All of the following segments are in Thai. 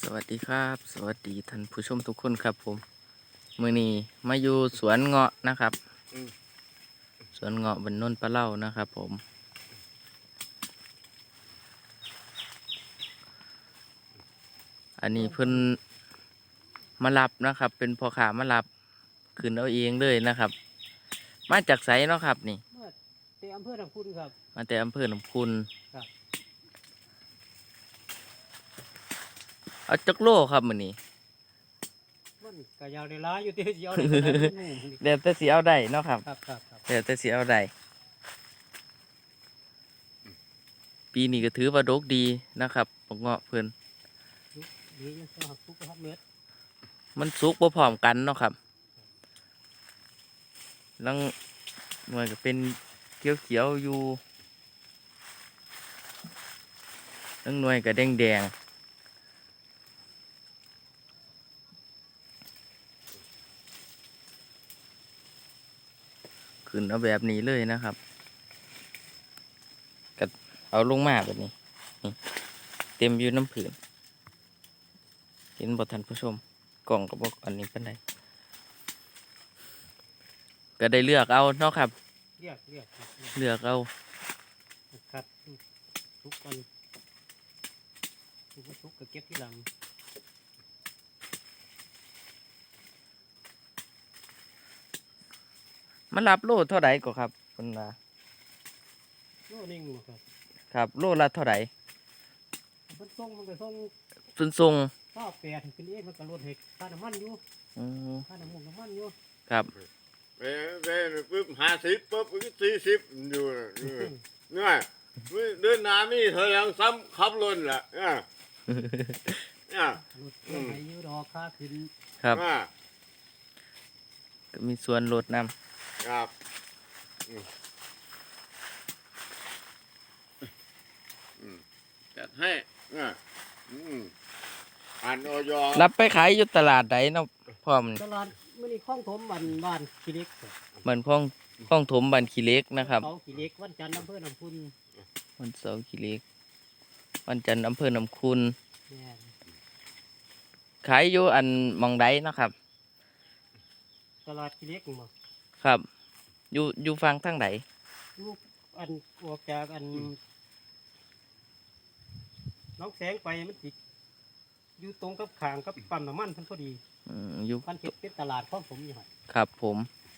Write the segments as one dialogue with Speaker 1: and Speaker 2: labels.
Speaker 1: สวัสดีครับสวัสดีท่านผู้ชมทุกคนครับผมมื้อนี้มาอยู่สวนเงาะนะครับสวนเงาะบนนนปลาเล่านะครับผมอันนี้เพิ่นมารับนะครับเป็นพ่อค้ามารับขึ้นเอาเองเลยนะครับ มาจากไสเนาะครับนี่
Speaker 2: มาแต่อำเภอหนองคุณครับ
Speaker 1: มาแต่อำเภอหนองคุณ
Speaker 2: ครับ
Speaker 1: เอาจักโลครับมื้อนี้
Speaker 2: มันก็ยาวในร้ายอยู่ที่สิเอาได้ขนาดนั้น
Speaker 1: เดี๋ยวแต่สิเอาได้เนาะครับ
Speaker 2: ครับ
Speaker 1: เดี๋ยวแต่สิเอาได้ปีนี้ก็ถือว่าดกดีนะครับบักเงาะเพิ่น
Speaker 2: ดีจังสหักทุกครับเม็ด
Speaker 1: มันสุกบ่พร้อมกันเนาะครับลังหน่วยก็เป็นเขียวๆอยู่ลังหน่วยก็แดงๆขึ้นเอาแบบนี้เลยนะครับก็เอาลงมาแบบนี้นี่เต็มอยู่น้ำผืนเห็นบ่ทันผู้ชมกล่องก็บอกอันนี้เป็นไรก็ได้เลือกเอาเนาะครับ
Speaker 2: เรียกครับ
Speaker 1: เลือกเอา
Speaker 2: ครับทุกคนทุกก็เก็บที่หลัง
Speaker 1: มันรับโลเท่าไหร่ก็ครับคุณว่า
Speaker 2: โน่นิ่งครับ
Speaker 1: ครับโลละเท่าไหร่
Speaker 2: มันส่งมันก็ส่ง
Speaker 1: ทรง
Speaker 2: ข้าวแปดเป็นเองมันก็ลดเหตุค่าน้ำมันอยู่ค่าน้ำมันอยู่
Speaker 1: ครับ
Speaker 3: เว้ปุ๊บ50ปุ๊บ40อยู่เนี่ยเดินหน้ามีเธอยังซ้ำขับรถแหละเนี่ย
Speaker 2: ลดเรื่องไหนอยู่ดอกค่าขึ้น
Speaker 1: ครับก็มีส่วนลดน
Speaker 3: ำครับจัดให้อ่านออย
Speaker 1: รับไปขายอยู่ตลาดไหนเนาะพร้อม
Speaker 2: ตลาดมื้อนี้คลองถมบ้านขี้เล็ก
Speaker 1: เหมือนคลองถมบันขี้เหล็กนะครับ
Speaker 2: เขาขี้เล็กวันจันทร์อำเภอหนองคุณ
Speaker 1: วันเสาร์ขี้เหล็กวันจันทร์อำเภอหนองคุณขายอยู่อันหมองใดเนาะครับ
Speaker 2: ตลาดขี้เล็กมั้ง
Speaker 1: ครับอยู่ฟังทั้งไหน
Speaker 2: ลูกอันออกจากอันน้องแสงไปมันติดอยู่ตรงกับขางกับปั๊มน้ำมันเพิ่นพอดี
Speaker 1: อยู่
Speaker 2: พันเก็บเป็นตลาดของผมอยู่หั่น
Speaker 1: ครับผม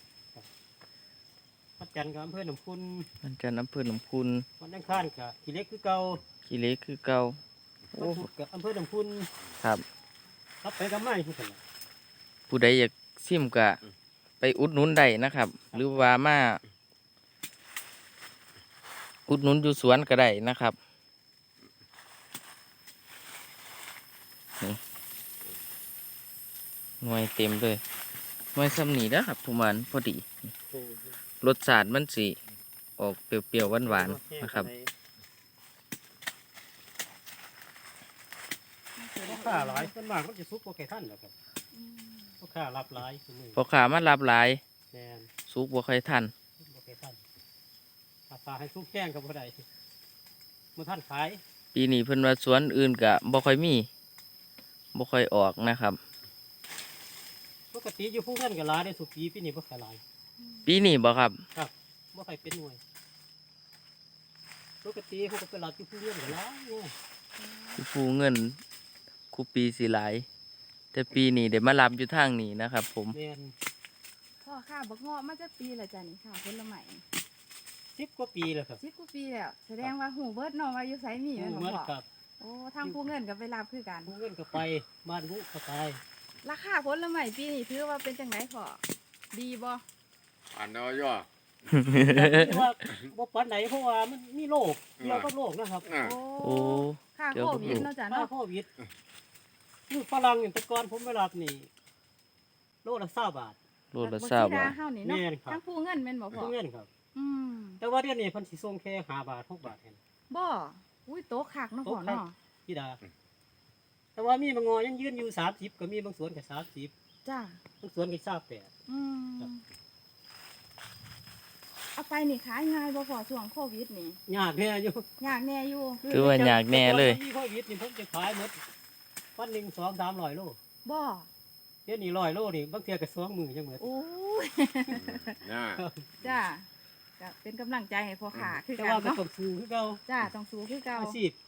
Speaker 2: วันจันทร์ก็อำเภอหนองคุณ
Speaker 1: วันจันทร์อำเภอหนองคุณ
Speaker 2: วันอังคารก็ขี้เล็กคือเก่า
Speaker 1: ขี้เหล็กคือเก่า
Speaker 2: วันพุธก็อำเภอหนองคุณ
Speaker 1: ครับ
Speaker 2: ไปกับไม้คือกัน
Speaker 1: ผู้ใดอยากซิมก็ไปอุดหนุนได้นะครับ หรือว่ามาอุดหนุนอยู่สวนก็ได้นะครับนี่หน่วยเต็มเลยหน่วยซ้ำนี่นะครับทุกวันพอดีรสชาติมันสิออกเปรี้ยวๆหวานๆนะครับ
Speaker 2: พ่อค้าหลายส่วนมากมันจะซุกโอเคท่านแหละครับพ่อค้ารับหลาย
Speaker 1: พอขามันรับหลาย
Speaker 2: แม่น
Speaker 1: สุกบ่ค่อยทัน
Speaker 2: โอเคท่านราคาให้ซุกแห้งกับบ่ได้มื้อท่านขาย
Speaker 1: ปีนี้เพิ่นว่าสวนอื่นก็บ่ค่อยมีบ่ค่อยออกนะครับ
Speaker 2: ปกติอยู่ผู้เงินก็หลายได้สุปีนี้บ่ค่อยหลาย
Speaker 1: ปีนี้บ่ครับ
Speaker 2: ครับบ่ค่อยเป็นหน่วยปกติเขาก็ไปรับอยู่ผู้เงินก็หลาย
Speaker 1: ผู้เงินคูปีสิหลายแต่ปีนี้ได้มารับอยู่ทางนี้นะครับผม
Speaker 2: แม่น
Speaker 4: พ่อค่ะบักเงาะมาจากปีละจ้ะนี่ค่ะผลไม้
Speaker 2: 10 กว่าปีแล้วครับ
Speaker 4: 10 กว่าปีแล้วแสดงว่าหูเบิดเนาะว่าอยู่ไสมีแม่นบ่พ่อ
Speaker 2: ครับ
Speaker 4: โอ้ทางผู้เงินก็ไปรับคือกัน
Speaker 2: ผู้เงินก็ไปบ้านผู้ก็ไป
Speaker 4: ราคาผลไม้ปีนี้ถือว่าเป็นจังไดพ่อดีบ่
Speaker 3: อ่านออย
Speaker 2: ว่าบ่ปานไหนเพราะว่ามันมีโรคเกี่ยวกับโรคนะครับ
Speaker 1: โอ้
Speaker 4: ค่าโควิดเนาะจ้ะเนาะ
Speaker 2: โควิดคือฝรั่งอย่างแต่ก่อนผมไปรับนี่โลละ20 บาท
Speaker 1: โลละ20 บาท
Speaker 4: เฮานี่เนาะทางผู้เงินแม่นบ่พ่อ
Speaker 2: ผู้เงินครับ
Speaker 4: อืม
Speaker 2: แต่ว่าเดี๋ยวนี้เพิ่นสิส่งแค่5 บาท6 บาทแค่นั้น
Speaker 4: บ่อุ้ยโตคักเนาะพ่อเนาะ
Speaker 2: พี่ดาแต่ว่ามีบางงอยังยืนอยู่30ก็มีบางสวนก็30
Speaker 4: จ้า
Speaker 2: บางสวนก็28
Speaker 4: เอาไปนี่ขายง่ายบ่พอช่วงโควิดนี่
Speaker 2: ยากแน่อยู่
Speaker 4: ยากแน่อยู่
Speaker 1: คือว่ายากแน่เลย
Speaker 2: มีโควิดนี่ผมจะขายหมดไปวันหนึ่ง200-300 โล
Speaker 4: บ่
Speaker 2: เดี๋ยวนี้100 โลนี่บางเทีก็2 มื้อจังเหมือน
Speaker 4: โอ้ย
Speaker 3: น่า
Speaker 4: จ้าก็เป็นกำลังใจให้พ่อขาคือ
Speaker 2: แต่
Speaker 4: กัน
Speaker 2: ว่าก็
Speaker 4: เนาะ
Speaker 2: ต้องสู้คือเก่า
Speaker 4: จ้าต้องสู้คือเก่า
Speaker 2: อาชีพ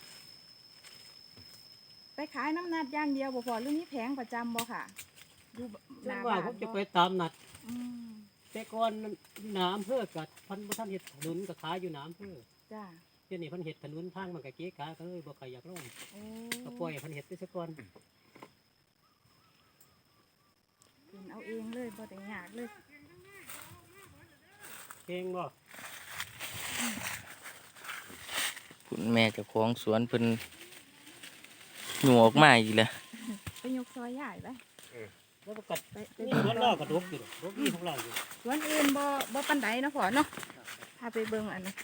Speaker 4: ไปขายน้ำนัดอย่างเดียวบ่พอหรือมีแผงประจำบ่ค่ะอยู่ห
Speaker 2: ส่ว
Speaker 4: น้าน
Speaker 2: มา
Speaker 4: บ้าก น
Speaker 2: ผมจะ
Speaker 4: บ่
Speaker 2: ไปตามนัด
Speaker 4: อืม
Speaker 2: แต่ก่อนน้ำเพื่อกับพันบ่ทันเฮ็ดถนนก็ขายอยู่น้ำเพื่อ
Speaker 4: จ้า
Speaker 2: เดี๋ยวนี้เพันเฮ็ดถนนทางมันก็เก๊กะก็เลยบ่ค่อยอยากลง
Speaker 4: โอ้
Speaker 2: ก็ปล่อยให้เพันเฮ็ดไปซะก่อน
Speaker 4: กินเอาเองเลยบ่ได้ยากเลย
Speaker 2: เพลงบ่
Speaker 1: คุณแม่เจ้าของสวนเพิ่นหนูออกมาอีกแล้ว
Speaker 4: ไปยกซอยใหญ่ไป
Speaker 2: แล้วก็กัด
Speaker 4: ไป
Speaker 2: นี่สวนเราก็ดกอยู่ดอกดกนี่ของเราอยู่
Speaker 4: สวนอื่นบ่ปานใดเนาะพ่อเนาะพาไปเบิ่งอันนี้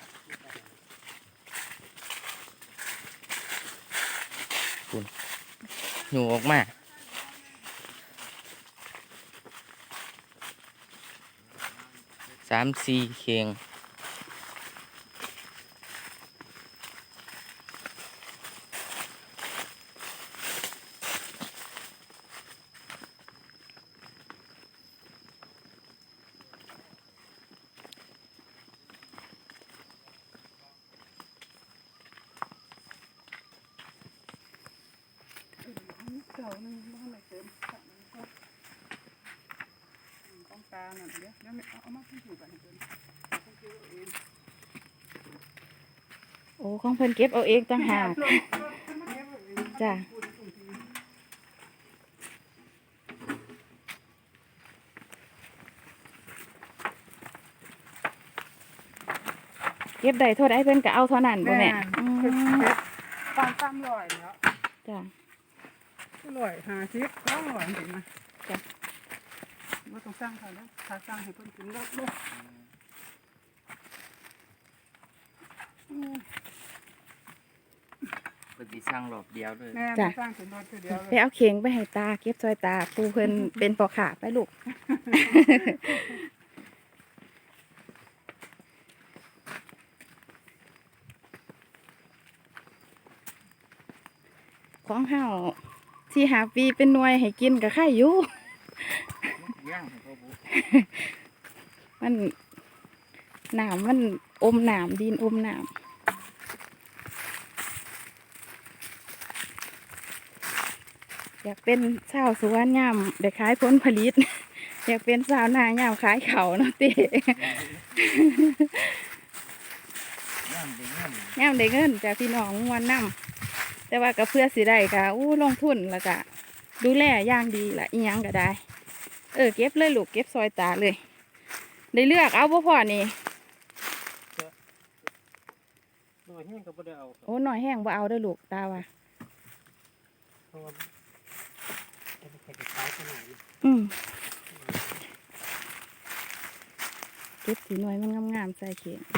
Speaker 1: หนูออกมา3-4เข่ง
Speaker 4: โอ้ของเพิ่นเก็บเอาเองต่างหากจ้าเก็บได้เท่าใดเพิ่นก็เอาเท่านั้นบ่แม่อืม
Speaker 5: ปาน300แล้ว
Speaker 4: จ้า
Speaker 5: 150 200ถึงนะจ้ะบ่ต้องสร้างเขาแล้วถ้าสร้างให้เพิ่นกินแล้วลูก
Speaker 1: เพิ่นสิสร้างรอบเดียวเลย
Speaker 5: แม่ไม่สร้างเป็นรถเดียวเล
Speaker 4: ไป
Speaker 5: ย
Speaker 4: เอาเข่งไปให้ตาเก็บซอยตาปูเพิ่นเป็นปอขาไปลูก ของเฮาที่หาปีเป็นหน่วยให้กินกับไข่อยู่
Speaker 1: ย่างให้พ่อบุ
Speaker 4: มันหนามมันอมหนามดินอมหนามอยากเป็นชาวสวนยามได้ขายผลผลิต อยากเป็นสาวนายามขายเขาวเนาะเต้
Speaker 1: ย่างเป็นย่าง
Speaker 4: ยามได้เงินจากพี่น้องมวนนำแต่ว่าก็เพื่อสิได้ก็ลงทุนแล้วก็ดูแลอย่างดีละอีหยังก็ได้ เก็บเลยลูกเก็บซอยตาเลย ได้เลือกเอาบ่พอนี่
Speaker 2: น้อยแห้งก็บ่ได้เอา
Speaker 4: โอ้หน่อยแห้งบ่เอาเด้อลูกตาว่า
Speaker 2: เพราะว่าจะไปขายขนาดนี้
Speaker 4: เก็บสีหน่อยมันงามๆใส่เข่ง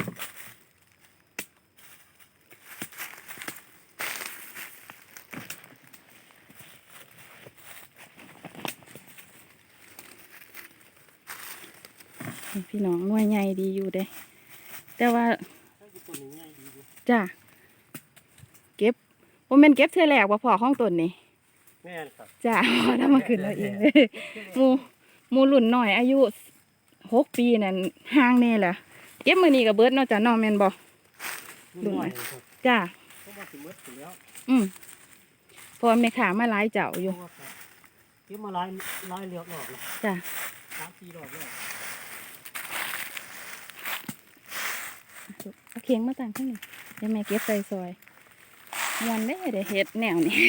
Speaker 4: นี่พี่น้องหน่วยใหญ่ดีอยู่เด้ แต่ว่า
Speaker 2: ถ้าอยู่ต้นนี้ใหญ่ดีอยู่
Speaker 4: จ้าเก็บว่ามันเก็บเท่าแรกว่าพอของต้นนี่
Speaker 2: แม่นครับ
Speaker 4: จ้า พอทำมาขึ้นเราเองเลยหมูรุ่นหน่อยอายุ6 ปีนั่นห่างแน่แหละเก็บมือนี้กับเบิร์ดเนาะจ้าน้องแม่นบ่
Speaker 2: รุ่นน้อยครับ
Speaker 4: จ้า
Speaker 2: เพราะว่าสิหมดอยู่แล้ว
Speaker 4: เพอแม่ขามาหลายเจ้าอยู่
Speaker 2: เพราะว่าเก็บมาหลายเลือกรอบแล้ว
Speaker 4: จ้า
Speaker 2: 3-4 รอบแล้ว
Speaker 4: เอาเคียงมาต่างข้างนี้เดี๋ยวแม่เก็บใส่ซอยมวนได้เดี๋ยวเฮ็ดแนวนี้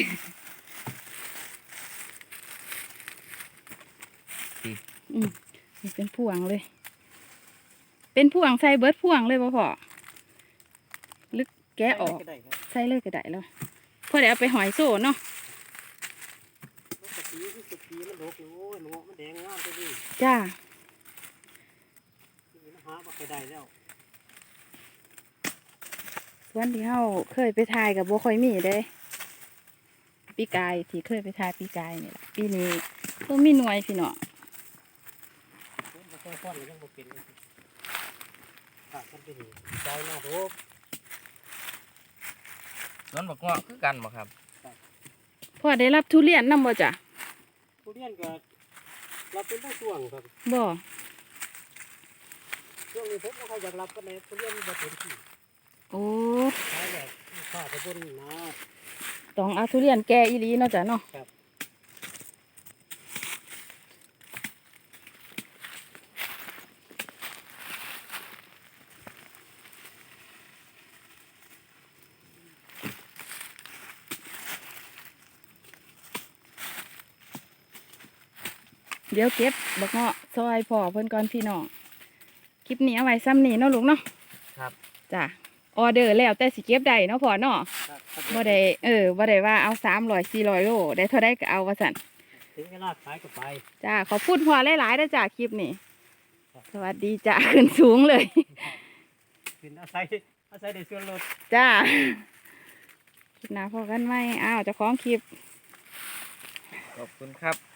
Speaker 4: นี่เป็นพวงเลย เป็นพวงใส่เบิร์ดพวงเลยบ่พอลึกแกะออก
Speaker 2: ได้ครับ
Speaker 4: ใส่เลยก็ได้แล้วพอเดี๋ยวเอาไปหอยโซ่เนาะ
Speaker 2: ปกติมันดกอยู่โอ้ยหนูมันแดงงามไปดิ
Speaker 4: จ้า
Speaker 2: นี่มันหาบ่ไปได้แล้ว
Speaker 4: ส่วนที่เฮาเคยไปถ่ายกับบ่ค่อยมีเด้ปีกายที่เคยไปถ่ายปีกายนี่แหละปีนี้บ่มีหน่วยพี่น้อง
Speaker 2: ผมบ่ค่อยฟ้อนเลยยังบ่เป็นเลยขาดกันไปนี่ใจหน้าดก
Speaker 1: สวนบักเงาะคือกันบ่ครับ
Speaker 4: พพ่อได้รับทุเรียนนำบ่จ้ะ
Speaker 2: ทุเรียนก็รับเป็นบางช่วงครับ
Speaker 4: บ่
Speaker 2: ช่วงนี้ผมก็ค่อยอยากรับกันในทุเรียนบ่เต็มที่
Speaker 4: โอ้
Speaker 2: ใช้แบบลูกค้าไปบนนะ
Speaker 4: ต้องเอาทุเรียนแก่อีหลีเนาะจ้ะเนาะ
Speaker 2: ครับ
Speaker 4: เดี๋ยวเก็บบักเงาะซอยพ่อเพิ่นก่อนพี่น้องคลิปนี้เอาไว้ซ้ำนี้เนาะลูกเนาะ
Speaker 2: ครับ
Speaker 4: จ้ะออเดอร์แล้วแต่สิเก็บได้เนาะพ่อเนาะ
Speaker 2: ครับ
Speaker 4: บ่ได้บ่ได้ว่าเอา300-400 โลได้เท่าใดก็เอาว่าซั่น
Speaker 2: ถึงเวลาขายก็ไป
Speaker 4: จ้าขอบคุณพ่อหลายๆเด้อจ้าคลิปนี้สวัสดีจ้า ขึ้นสูงเลย
Speaker 2: กินอาศัยได้ส่วนลด
Speaker 4: จ้าคลิปหน้าพอกันไหมอ้าวเจ้าของคลิป
Speaker 1: ขอบคุณครับ